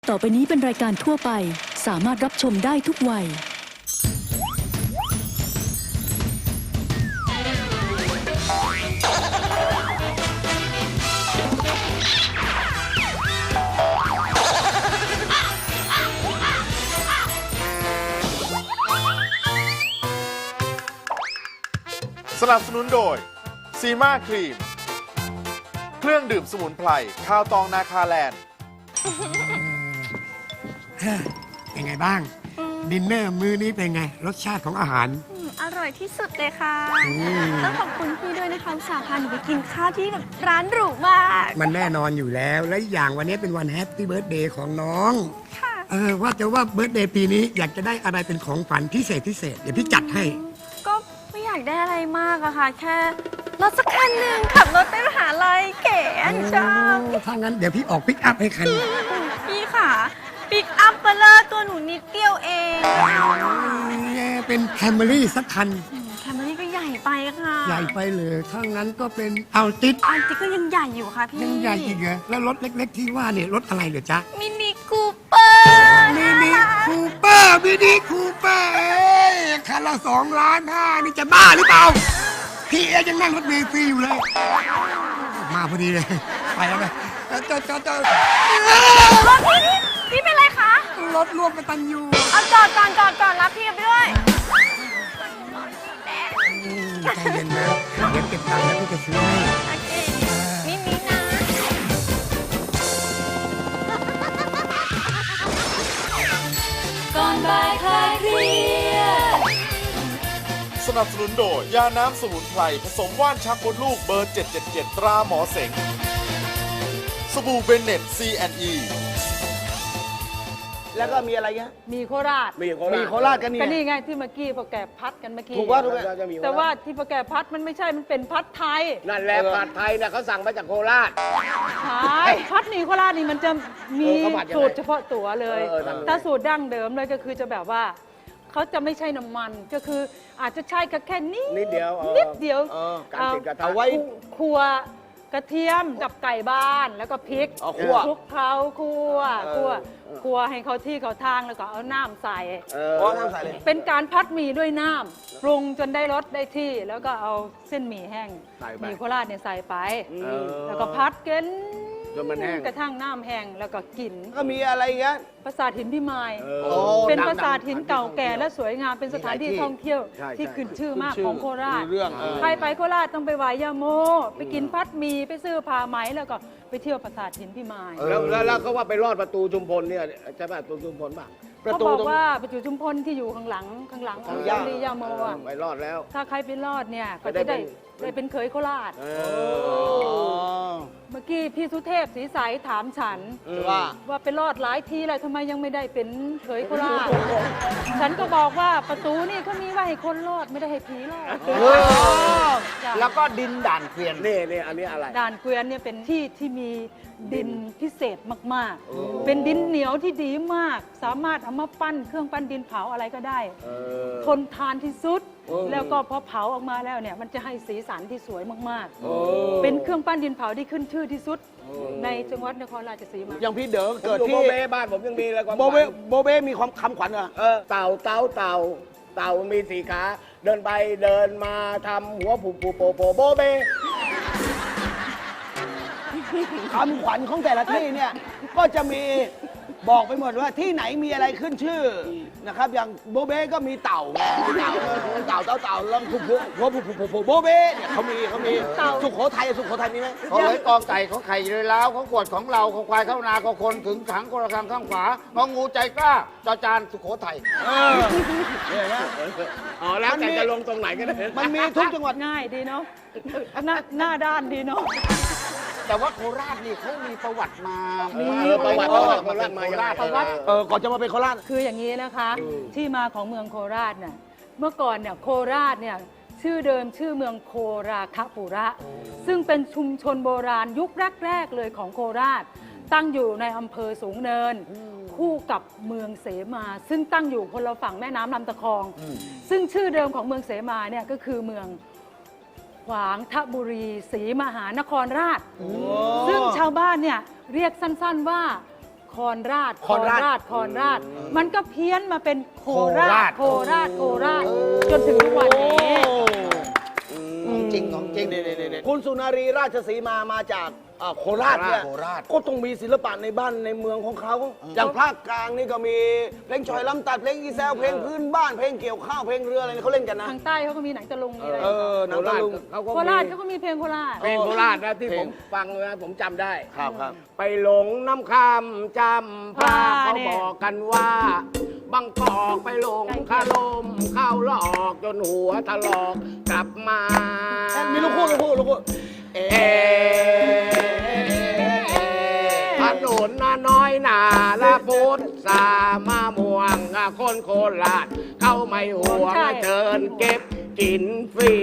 ต่อไปนี้เป็นรายการทั่วไปสามารถรับชมได้ทุกวัยสนับสนุนโดยซีมาครีมเครื่องดื่มสมุนไพรข้าวตองนาคาแลนด์เป็นไงบ้าง ดินเนอร์มื้อนี้เป็นไง รสชาติของอาหารอร่อยที่สุดเลยค่ะ ต้องขอบคุณพี่ด้วยนะคะอุตส่าห์พาหนูไปกินข้าวที่แบบร้านหรูมากมันแน่นอนอยู่แล้ว และอีกอย่างวันนี้เป็นวันแฮปปี้เบิร์ธเดย์ของน้องค่ะว่าแต่ว่าเบิร์ธเดย์ปีนี้อยากจะได้อะไรเป็นของฝันพิเศษเดี๋ยวพี่จัดให้ก็ไม่อยากได้อะไรมากอะค่ะ แค่รถสักคันหนึ่งขับรถไปมหาลัยเก๋อันจังถ้างั้นเดี๋ยวพี่ออกปิกอัพให้คันพี่ค่ะปิกอัพเบลเลอร์ตัวหนูนิดเดียวเองเป็นแคมรี่สักคันแคมรี่ก็ใหญ่ไปค่ะใหญ่ไปเลยถ้างั้นก็เป็นเอาติดอันจิ๊กก็ยังใหญ่อยู่ค่ะพี่ยังใหญ่อีกเหรอแล้วรถเล็กๆที่ว่าเนี่ยรถอะไรเหรอจ๊ะมินิคูเปอร์มินิคูเปอร์คันละ2,500,000นี่จะบ้าหรือเปล่า พี่เอยังนั่งรถเมล์ฟรีอยู่เลย มาพอดีเลย ไปแล้วไปจอดรถพี่เป็นไรคะรถร่วมกตันยูเอาจอดก่อนรับพี่ไปด้วยใจเย็นนะเดี๋ยวเก็บตังค์แล้วพี่จะซื้อให้โอเคมินินะก่อนบ่ายคลายเครียดสนับสนุนโดยยาน้ำสมุนไพรผสมว่านชักมดลูกเบอร์ 777 ตราหมอเสงสบู่เบนเน็ต C&E แล้วก็มีอะไรเงี้ยมีโคราชมีโคราชกันนี่ก็นี่ไงที่เมื่อกี้พอแกพัดกันเมื่อกี้ถูกว่าถูกไหมแต่ว่าที่พอแกพัดมันไม่ใช่มันเป็นพัดไทยนั่นแหละผัดไทยนะเขาสั่งมาจากโคราชใช่พัดหมี่โคราชนี่มันจะมีเขาผัดยังไงสูตรเฉพาะตัวเลยทำยังไงถ้าสูตรดั้งเดิมเลยก็คือจะแบบว่าเขาจะไม่ใช่น้ำมันก็คืออาจจะใช้แค่นินิดเดียวนิดเดียวการติดกระทะเอาไว้คั่วกระเทียมกับไก่บ้านแล้วก็พริกเอาคั่วคลุกเคล้าคั่วให้เขาที่เขาทางแล้วก็เอาน้ำใส่น้ำใส่เลยเป็นการพัดหมี่ด้วยน้ำปรุงจนได้รสได้ที่ แล้วก็เอาเส้นหมี่แห้งใส่ไปหมี่โคราชเนี่ยใส่ไปเออแล้วก็พัดกันจนมันแห้งกระทั่งน้ำแห้งแล้วก็กินก็มีอะไรเงี้ยปราสาทหินพิมายโอ้เป็นดังๆปราสาทหินเก่าแก่และสวยงามเป็นสถานที่มีหลายที่ท่องเที่ยวใช่ที่ใช่ขึ้นชื่อมากขึ้นชื่อของโคราชมีเรื่องใครไปโคราชต้องไปไหว้ย่าโม ไปกินพัดหมี่ไปซื้อผ้าไหมแล้วก็ไปเที่ยวปราสาทหินพิมายแล้วเขาว่าไปรอดประตูชุมพลเนี่ยใช่ป่ะประตูชุมพลป่ะประเขาตูบอกตรงว่าประจุชุมพลที่อยู่ข้างหลังของยาลีย่าโมอ่ะไปรอดแล้วถ้าใครไปรอดเนี่ยก็จะจะได้ได้เป็นเคยโคราชอเมื่อกี้พี่สุเทพศรีใสถามฉันว่าไปรอดหลายทีแล้วทำไมยังไม่ได้เป็นเคยโคราช ฉันก็บอกว่าประตูนี่เขามีไว้ให้คนรอดไม่ได้ให้ผีรอดจ้ะแล้วก็ดินด่านเกวียนนี่อันนี้อะไรด่านเกวียนเนี่ยเป็นที่ที่มีดินพิเศษมากๆ เป็นดินเหนียวที่ดีมาก สามารถเอามาปั้นเครื่องปั้นดินเผาอะไรก็ได้ ทนทานที่สุด แล้วก็พอเผาออกมาแล้วเนี่ยมันจะให้สีสันที่สวยมากๆ เป็นเครื่องปั้นดินเผาที่ขึ้นชื่อที่สุด ในจังหวัดนครราชสีมาอย่างพี่เด๋อเกิดที่โบเบ้บ้านผมยังมีเลยความโบเบ้มีความคำขวัญเหรอเต่ามีสี่ขาเดินไปเดินมาทำหัวผูโปโบเบ้คำขวัญของแต่ละที่เนี่ยก็จะมีบอกไปหมดว่าที่ไหนมีอะไรขึ้นชื่อนะครับอย่างโบเบ้ก็มีเต่าแล้วหัวผูโบเบ้เนี่ยเขามีสุโขทัยมีไหมเขาเลยกอไก่เขาไข่เลยแล้วเขาขวดของเราเขาควายเข้านาเขาคนถึงขังคนละครังข้างขวางองูใจกล้าจอจานสุโขทัยเนี่ยนะแล้วแต่จะลงตรงไหนก็ได้มันมีทุกจังหวัดง่ายดีเนาะหน้าด้านดีเนาะแต่ว่าโคราชนี่เขามีประวัติมาประวัติมาโคราชประวัติก่อนจะมาเป็นโคราชคืออย่างนี้นะคะ ที่มาของเมืองโคราชเนี่ยเมื่อก่อนเนี่ยโคราชเนี่ยชื่อเดิมชื่อเมืองโคราคปุระ ซึ่งเป็นชุมชนโบราณยุคแรกๆเลยของโคราช ตั้งอยู่ในอำเภอสูงเนิน คู่กับเมืองเสมา ซึ่งตั้งอยู่คนละฝั่งแม่น้ำลำตะคอง ซึ่งชื่อเดิมของเมืองเสมาเนี่ยก็คือเมืองขวางทบุรีศรีมหานครราช ซึ่งชาวบ้านเนี่ยเรียกสั้นๆว่าโคคอนราชคอนราชคอนราช มันก็เพี้ยนมาเป็นโคราช โคราช โคราช จนถึงทุกวันนี้ของจริงของจริงคุณสุนารีราชสีมาจากโคราชเนี่ยโคราชก็ต้องมีศิลปะในบ้านในเมืองของเขา อย่างภาคกลางนี่ก็มีเพลงชอยลำตัดเพลงอีแซวเพลงพื้นบ้านเพลงเกี่ยวข้าวเพลงเรืออะไรเขาเล่นกันนะทางใต้เขาก็มีหนังตะลุงมีอะไรหนังตะลุงโคราชเขาก็มีเพลงโคราชเพลงโคราชนะที่ผมฟังนะผมจำได้ครับครับไปหลงน้ำคำจำพาเขาบอกกันว่าบางกอกไปหลงคาลมเข้าหลอกจนหัวถลอกกลับมามีลูกคู่ถนนน้อยหนาละพุทธสามาม่วงคนโคราชเข้าไม่ห่วงใช่เชิญเก็บกินฟรี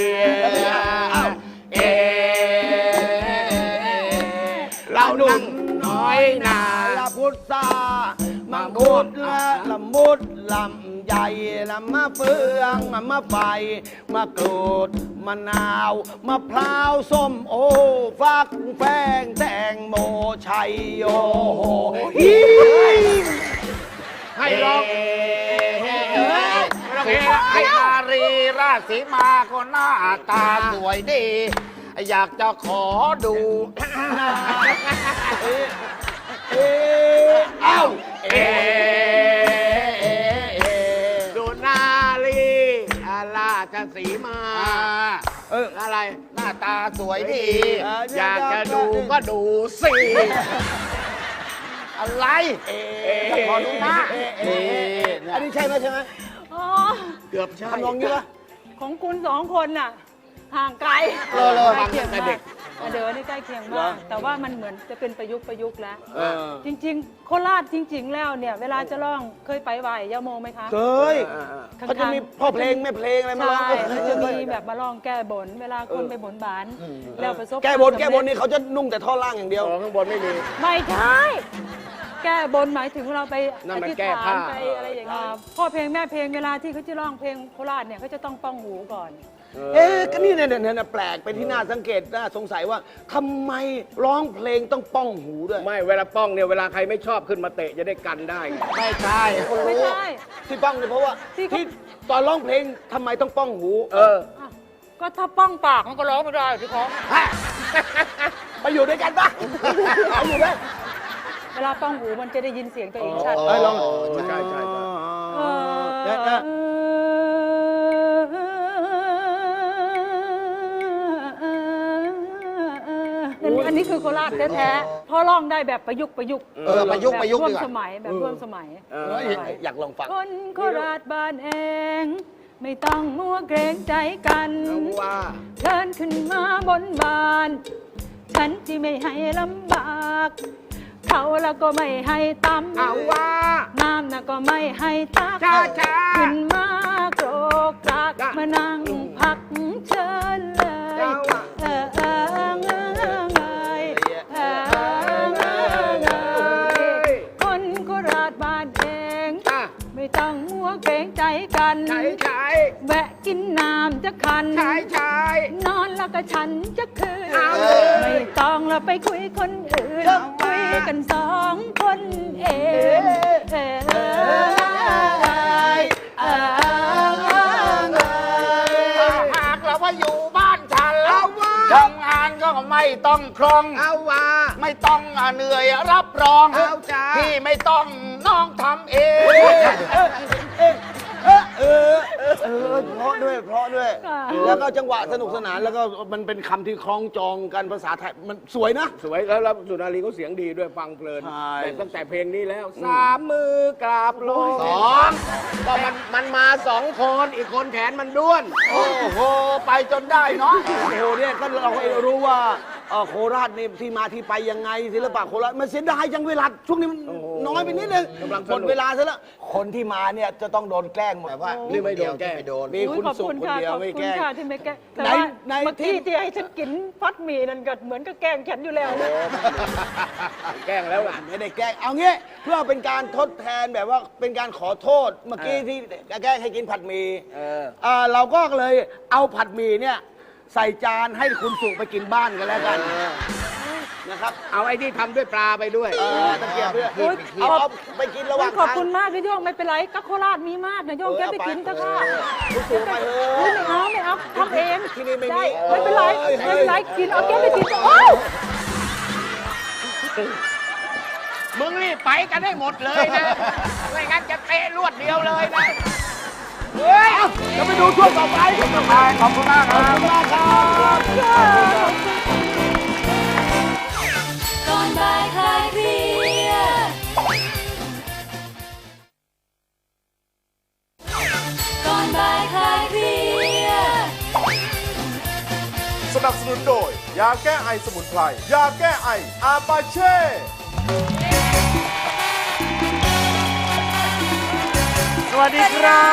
เรานั่งน้อยหนาละพุทธามังคุดละมุดลำใหญ่ละมะเฟืองมะไฟมะกรูดมะนาวมะพร้าวส้มโอฟักแฟงแตงโมชัยโยฮิให้ร้องให้นารีราชสีมาคนหน้าตาสวยดี อยากจะขอดูเอ้าสุนารีราชสีมาอะไรหน้าตาสวยดีอยากจะดูก็ดูสิอะไรขอดูหน้าอันนี้ใช่ไหมอ๋อเกือบใช่ทำนองนี้ปะของคุณสองคนน่ะ ห่างไกลเลยใกล้เคียงฟังตั้งแต่มาเด็กกเดินนี่ใกล้เคียงเหรมาอก แต่ว่ามันเหมือนจะเป็นประยุกต์แล้วจจริง ๆ โคราชจริง ๆ แล้วเนี่ย เวลาจะร้องเคยไปไหวยาโมไหมคะเคยเขาจะมีพ่อเพลงแม่เพลงอะไรมาร้องใช่มันจะมีแบบมาร้องแก้บน เวลาคนไปบนบาน แล้วประสบแก้บนความสำเร็จแก้บนนี่เขาจะนุ่งแต่ท่อล่างอย่างเดียวข้างบนไม่มีไม่ใช่ แก้บนหมายถึงเราไปนั่อนมันธิษแก้ฐาผ้านไปอะไรอย่างเงี้ยพ่อเพลงแม่เพลงเวลาที่เขาจะร้องเพลงโคราชเนี่ยเขาจะต้องป้องหูก่อนก็นี่เนี่ยแปลกเป็นที่น่าสังเกตน่าสงสัยว่าทำไมร้องเพลงต้องป้องหูด้วยไม่เวลาป้องเนี่ยเวลาใครไม่ชอบขึ้นมาเตะจะได้กันได้ไม่ใช่ไม่ใช่ที่ป้องเนี่ยเพราะว่าที่เขาที่ตอนร้องเพลงทำไมต้องป้องหูอ้าวก็ถ้าป้องปากมันก็ร้องไม่ได้พี่ของไปอยู่ด้วยกันปะไปอยู่ด้วยเวลาป้องหูมันจะได้ยินเสียงตัวเองชัดไปลองใช่อันนี้คือโคราชแท้ๆพอร้องได้แบบประยุกต์ประยุกต์ประยุกต์แบบร่วดีมกว่าสมัยแบบร่วมสมัยอยากลองฟังคนโคราชบ้านเอง ไม่ต้องมัวเกรงใจกันว่าเดินขึ้นมาบนบาน ฉันที่ไม่ให้ลำบาก เขาแล้วก็ไม่ให้ตำเอาว่าน้ำน่ะก็ไม่ให้ตักช้าขึ้นมาโกรกกรากมานั่งพักเชิญเลยคนโคราชบ้านเอง ไม่ต้องมัวเกรงใจกันใช่แวะกินน้ำจะคัน นอนแล้วก็ฉันจะคืนเอาเลยไม่ต้องเราไปคุยคนอื่น คุยกันสองคนเองหากเราว่าอยู่บ้านฉันทำงานก็ไม่ต้องครองเอาว่าไม่ต้องเหนื่อยรับรองเอาจ้าพี่ไม่ต้องน้องทำเองเพราะด้วย แล้วก็จังหวะสนุกสนานแล้วก็มันเป็นคำที่คล้องจองกันภาษาไทยมันสวยนะสวยแล้วสุนารีเขาเสียงดีด้วยฟังเพลินใช่แต่ตั้งแต่เพลงนี้แล้วสามมือกราบลงสองก็มันมาสองคนอีกคนแขนมันด้วนโอ้โห ไปจนได้เนาะโอ้โหเนี่ยก็เรารู้ว่าโคราชนี่ที่มาที่ไปยังไงศิลปะโคราชมันเสียดายจังเวลาช่วงนี้มันน้อยไปนิดนึงกำลังสนุกหมดเวลาซะแล้วคนที่มาเนี่ยจะต้องโดนแกล้งหมดแต่ว่านี่ไม่โดนแกล้งไม่โดนมีคุณขอบสุขคุณคนค่ะเดียวขอบไม่คุแกณล้งค่ะที่ไม่แกล้งแต่ไหนว่าไหนเมื่อกี้ที่ให้ฉันกินฟัดหมี่นั่นก็เหมือนกับแกล้งฉันอยู่แล้วนะแกล้งแล้วล่ะไม่ได้แกล้งเอางี้เพื่อเป็นการทดแทนแบบว่าเป็นการขอโทษเมื่อกี้ที่แกล้งให้กินผัดหมี่เราก็เลยเอาผัดหมี่เนี่ยใส่จานให้คุณสุไปกินบ้านกันแล้วกันนะครับเอาไอ้ที่ทำด้วยปลาไปด้วยตะเกียบด้วยโอ๊ยเอาไปกินระหว่างขอบคุณมากนะโยงไม่เป็นไรก็โคราชมีมากนะโยงแกไปกินเถอะค่ะคุณสูงไปเถไม่อะเอาทำเองที่นี่ไม่มีด้ไม่เป็นไรไม่เป็นไรกินเอาแกไปกินเถอะโอ้ยมึงนี่ไปกันได้หมดเลยนะ ไม่งั้นจะเตะรวดเดียวเลยนะ เฮ้ยจะไปดูช่วงต่อไปขอบคุณมากครับขอบคุณมากครับก่อนบ่ายคลายเครียดก่อนบ่ายคลายเครียดสนับสนุนโดย ยาแก้ไอสมุนไพร ยาแก้ไออาปาเช่สวัสดีครับ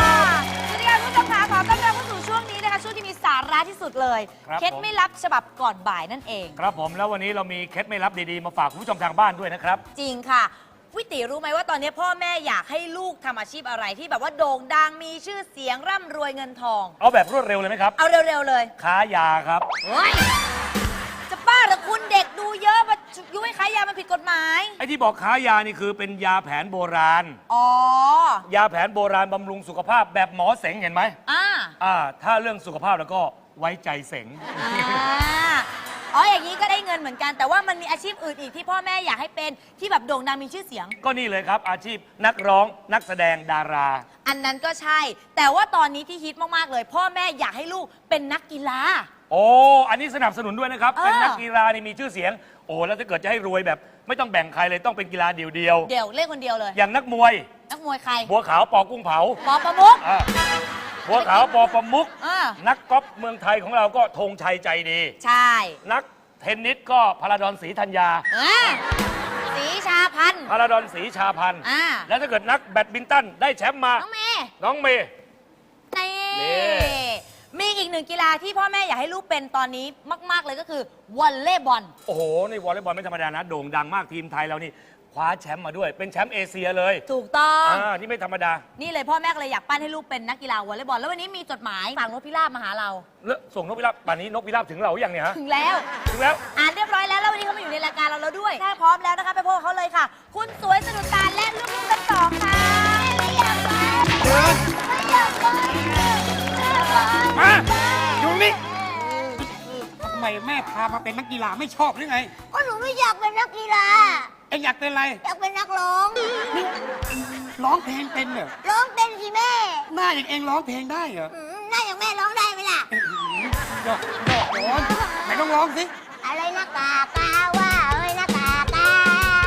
สวัสดีค่ะคุณผู้ชมค่ะขอต้อนรับเข้าสู่ช่วงนี้นะคะช่วงที่มีสาระที่สุดเลยครับเคล็ดผมไม่ลับฉบับก่อนบ่ายนั่นเองครับผมแล้ววันนี้เรามีเคล็ดไม่ลับดีๆ มาฝากคุณผู้ชมทางบ้านด้วยนะครับจริงค่ะวิติรู้ไหมว่าตอนนี้พ่อแม่อยากให้ลูกทำอาชีพอะไรที่แบบว่าโด่งดังมีชื่อเสียงร่ำรวยเงินทองเอาแบบรวดเร็วเลยไหมครับเอาเร็วๆเลยค้ายาครับเฮ้ยจะบ้าเหรือคุณเด็กดูเยอะมายุให้ขายยามันผิดกฎหมายไอ้ที่บอกค้ายานี่คือเป็นยาแผนโบราณอ๋อยาแผนโบราณบำรุงสุขภาพแบบหมอเสงเห็นไหมอ่าถ้าเรื่องสุขภาพแล้วก็ไว้ใจเสงอ๋ออย่างนี้ก็ได้เงินเหมือนกัน แต่ว่ามันมีอาชีพอื่นอีกที่พ่อแม่อยากให้เป็นที่แบบโด่งดังมีชื่อเสียงก็นี่เลยครับ อาชีพนักร้องนักแสดงดาราอันนั้นก็ใช่ แต่ว่าตอนนี้ที่ฮิตมากๆเลย พ่อแม่อยากให้ลูกเป็นนักกีฬาโอ้อันนี้สนับสนุนด้วยนะครับเออเป็นนักกีฬานี่มีชื่อเสียง โอ้แล้วถ้าเกิดจะให้รวยแบบ ไม่ต้องแบ่งใครเลยต้องเป็นกีฬาเดียวเดี๋ยวเล่นคนเดียวเลยๆอย่างนักมวยนักมวยใครบัวขาวปอกุ้งเผาปอประมุกอ่าบัวขาวปอประมุกอ่านักกอล์ฟเมืองไทยของเราก็ธงชัยใจดีใช่นักเทนนิสก็พาราดอนศรีธัญญาสีชาพันธ์พาราดอนศรีชาพันธ์อ่าแล้วถ้าเกิดนักแบดมินตันได้แชมป์มาน้องเมย์น้องเมย์นี่นี่มีอีกหนึ่งกีฬาที่พ่อแม่อยากให้ลูกเป็นตอนนี้มาก ๆ เลยก็คือวอลเลย์บอลโอ้โหนี่วอลเลย์บอลไม่ธรรมดานะโด่งดังมากทีมไทยเรานี่คว้าแชมป์มาด้วยเป็นแชมป์เอเชียเลยถูกต้องนี่ไม่ธรรมดานี่เลยพ่อแม่ก็เลยอยากปั้นให้ลูกเป็นนักกีฬาวอลเลย์บอลแล้ววันนี้มีจดหมายฝากนกพิราบมาหาเราแล้วส่งนกพิราบป่านนี้นกพิราบถึงเราหรือยังเนี่ยฮะถึงแล้วถึงแล้วอ่านเรียบร้อยแล้วแล้ววันนี้เขามาอยู่ในรายการเราแล้วด้วยถ้าพร้อมแล้วนะคะไปพบกับเขาเลยค่ะ คุณสวยสะดุดตาและลูกๆทั้งสองค่ะไม่อยากไปไม่อยากไปมาอยู่นี่ทำไมแม่พามาเป็นนักกีฬาไม่ชอบหรือไงก็หนูไม่อยากเป็นนักกีฬาเอ็งอยากเป็นอะไรอยากเป็นนักร้องร้องเพลงเป็นเหรอร้องเป็นสิแม่หน้าอย่างเอ็งร้องเพลงได้เหรอหน้าอย่างแม่ร้องได้ไหมล่ะดอกร้อนไหนต้องร้องสิอะไรนะกากาว่าเอ้ยนะกากา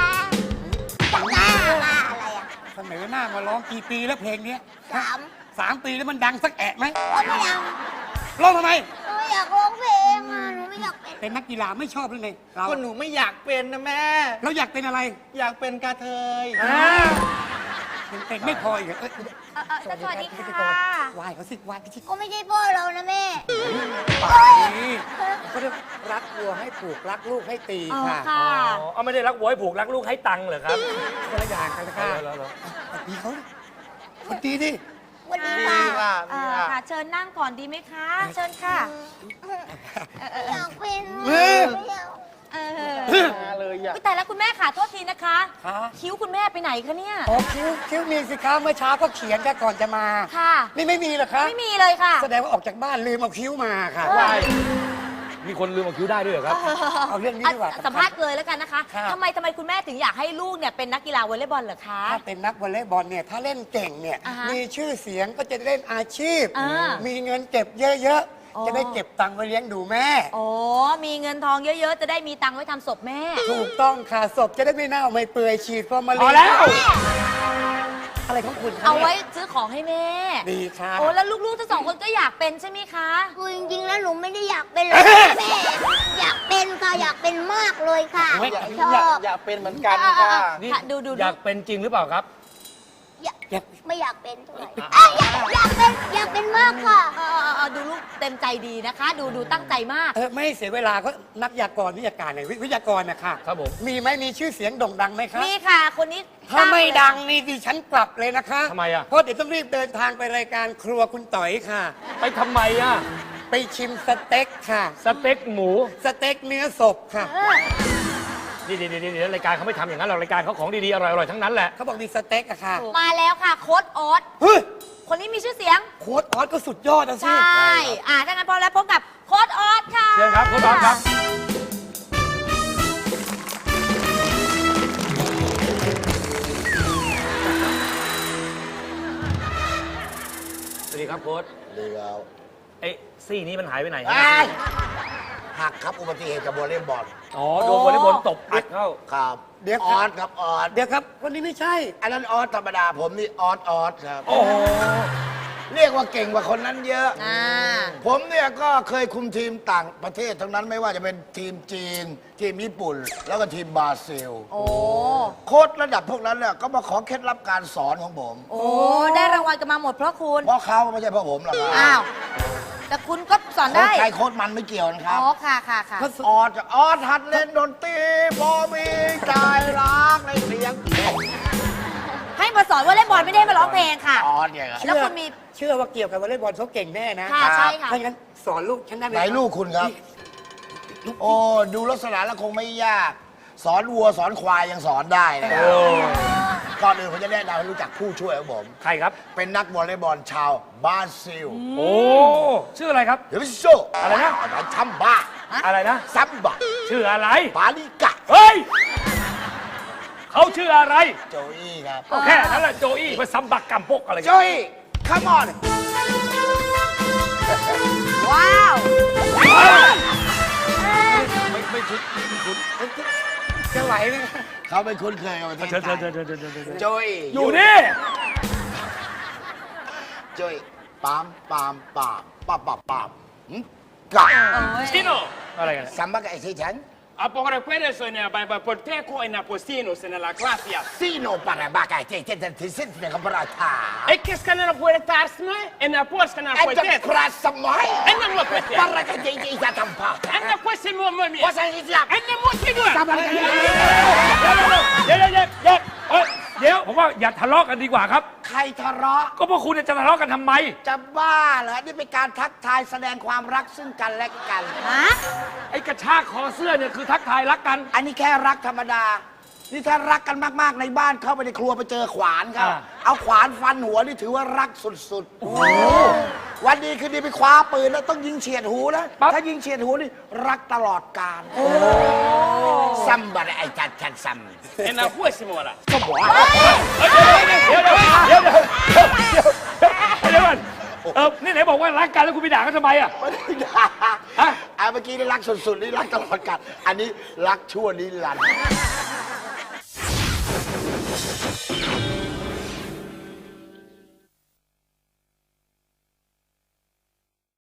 อะไรอ่ะเสนอหน้ามาร้องกี่ปีแล้วเพลงเนี้ย 3 ปีแล้วมันดังสักแอะไหมก็ไม่ยังร้องทำไมหนูไม่อยากร้องเพลงอ่ะหนูไม่อยากเป็นเป็นนักกีฬาไม่ชอบหรือไงเราก็หนูไม่อยากเป็นนะแม่เราอยากเป็นอะไรอยากเป็นกระเทยเป็นไม่พออีกเหรอเอ้ยสวัสดีค่ะวายเขาสิวายเขาสิก็ไม่ใช่พ่อเรานะแม่นี่เขาเรียกรักวัวให้ผูกรักลูกให้ตีอ๋อค่ะค่ะเอาไม่ได้รักวัวให้ผูกรักลูกให้ตังค์เหรอครับคนละอย่างกันนะค่ะเหรอตีเขาคนตีดิวันนี้ดีค่ะค่ะดีค่ะค่ะ เชิญนั่งก่อนดีไหมคะ เชิญค่ะอยากเป็นเฮ้ยไม่อยากมาเลยอยากแต่แล้วคุณแม่ค่ะโทษทีนะคะค่ะคิ้วคุณแม่ไปไหนคะเนี่ยอ๋อคิ้วมีสิคะเมื่อเช้าก็เขียนกันก่อนจะมาค่ะนี่ไม่มีเหรอคะไม่มีเลยค่ะแสดงว่าออกจากบ้านลืมเอาคิ้วมาค่ะว้ายมีคนลืมเอาคิ้วได้ด้วยเหรอครับเอาเรื่องนี้ดีกว่าสัมภาษณ์เลยแล้วกันนะคะครับทำไมคุณแม่ถึงอยากให้ลูกเนี่ยเป็นนักกีฬาวอลเลย์บอลเหรอคะถ้าเป็นนักวอลเลย์บอลเนี่ยถ้าเล่นเก่งเนี่ยอ่าฮะมีชื่อเสียงก็จะได้เล่นอาชีพอ่ามีเงินเก็บเยอะอ๋อๆ จะได้เก็บตังค์ไว้เลี้ยงดูแม่โอ้มีเงินทองเยอะๆ จะได้มีตังค์ไว้ทำศพแม่ถูกต้องค่ะศพจะได้ไม่เน่าไม่เปื่อยฉีดฟอร์มาลินพอแล้วอะไรของคุณคะเอาไว้นี่ยซื้อของให้แม่ดีค่ะโอ้แล้วลูกๆทั้งสองคนก็อยากเป็นใช่ไหมคะคือจริงๆแล้วหนูไม่ได้อยากเป็นเลยแม่ อยากเป็นค่ะอยากเป็นมากเลยค่ะ ชอบอยากเป็นเหมือนกันค่ะนี่ค่ะดูอยากเป็นจริงหรือเปล่าครับไม่อยากเป็นเท่าไหร่อยากเป็นมากค่ะดูลูกเต็มใจดีนะคะ ดูตั้งใจมากไม่ให้เสียเวลาก็นักวิทยากรหน่อยวิทยากรนะคะครับผมมีไหมมีชื่อเสียงโด่งดังไหมคะนี่ค่ะคนนี้ถ้าไม่ดังนี่ดิฉันกลับเลยนะคะทำไมอ่ะเพราะเดี๋ยวต้องรีบเดินทางไปรายการครัวคุณต๋อยค่ะไปทำไมอ่ะไปชิมสเต็กค่ะสเต็กหมูสเต็กเนื้อศพค่ะนี่รายการเขาไม่ทำอย่างนั้นหรอกรายการเขาของดีๆอร่อยๆทั้งนั้นแหละเขาบอกมีสเต็กอะค่ะมาแล้วค่ะโค้ดออสเฮ้ยคนนี้มีชื่อเสียงโค้ดออสก็สุดยอดนะสิใช่ถ้างั้นพร้อมแล้วพบกับโค้ดออสค่ะเชิญครับคุณบอลครับสวัสดีครับโค้ชดีแล้วไอ้ซี่นี้มันหายไปไหนหักครับอุบัติเหตุกับวอลเลย์บอลอ๋อโดนวอลเลย์บอลตบอัดเข้าครับเดี๋ยวออสครับออสเดี๋ยวครับคนนี้ไม่ใช่อันนั้นออสธรรมดาผมนี่ออสครับโอ้โหเรียกว่าเก่งกว่าคนนั้นเยอะอ่าผมเนี่ยก็เคยคุมทีมต่างประเทศทั้งนั้นไม่ว่าจะเป็นทีมจีน ทีมญี่ปุ่น แล้วก็ทีมบราซิลโอ้โค้ชระดับพวกนั้นเนี่ยก็มาขอเคล็ดลับการสอนของผมโอ้ได้รางวัลกันมาหมดเพราะคุณเพราะเขาไม่ใช่เพราะผมหรอกครับอ้าวแต่คุณก็สอนโค้ชได้ใครโค้ชมันไม่เกี่ยวนะครับอ๋อค่ะค่ะค่ะออสหัดเล่นดนตรีพอมีใจรักในเสียงให้มาสอนว่าเล่นบอลไม่ได้มาร้องเพลงค่ะออสเนี่ยครับแล้วคุณมีเชื่อว่าเกี่ยวกับวอลเลย์บอลเขาเก่งแน่นะค่ะใช่ค่ะถ้าอย่างนั้นสอนลูกฉันได้ไหมไหนลูกคุณครับ โอ้ดูลักษณะแล้วคงไม่ยาก สอนวัวสอนควายยังสอนได้นะครับก่อนอื่นผมจะแนะนำให้รู้จักผู้ช่วยของผมใครครับเป็นนักวอลเลย์บอลชาวบราซิลโอ้ชื่ออะไรครับเดี๋ยวไปโซอะไรนะทัมบ้าอะไรนะซัมบะชื่ออะไรปาลิกะเฮ้ยเขาชื่ออะไรโจอี้ครับก็แค่นั้นแหละโจอี้มาซัมบักกัมปกอะไรโจอี้ come on ว้าวไม่คิดจะไหวไหมเขาไม่คุ้นเคยกับประเทศเชิญไทเชิยญเชิญเชิญเชิญเชิญโจอี้อยู่นี่โจอี้ปามปามปามปามปามปามกะ Sino? อะไรกันซัมบะกะไอ้ที่ฉัน A poco questo è per te con il postino se nella classe. ซีโนปาราบากะเจเจเจเจเจเจกับราชา E che scanner può tarsne? E na può scanner ไอ้ può จะ te. คราสมัย E non lo può te. ปารากะเจเจจะทำผ้า E non può essere uomo mio. ว่าใส่ที่ยัก E non può essere due. เดี๋ยวผมว่าอย่าทะเลาะกันดีกว่าครับใครทะเลาะก็พวกคุณจะทะเลาะกันทำไมจะบ้าเหรอ นี่เป็นการทักทายแสดงความรักซึ่งกันและกันฮะไอ้กระชากคอเสื้อเนี่ยคือทักทายรักกันอันนี้แค่รักธรรมดา นี่ถ้ารักกันมากๆในบ้านเข้าไปในครัวไปเจอขวานครับ เอาขวานฟันหัวนี่ถือว่ารักสุดๆ วันดีคืนดีไปคว้าปืนแล้วต้องยิงเฉียดหูนะ ถ้ายิงเฉียดหูนี่รักตลอดกาลซัมบะไอ้จัดซัม E non può essere ora. ก็บอกว่าเดี๋ยวก่อนนี่ไหนบอกว่ารักกันแล้วคุณไปด่ากันทำไมอ่ะไม่ได้ด่าเมื่อกี้นี่รักสุดๆนี่รักตลอดกาลอันนี้รักชั่วนิรันดร์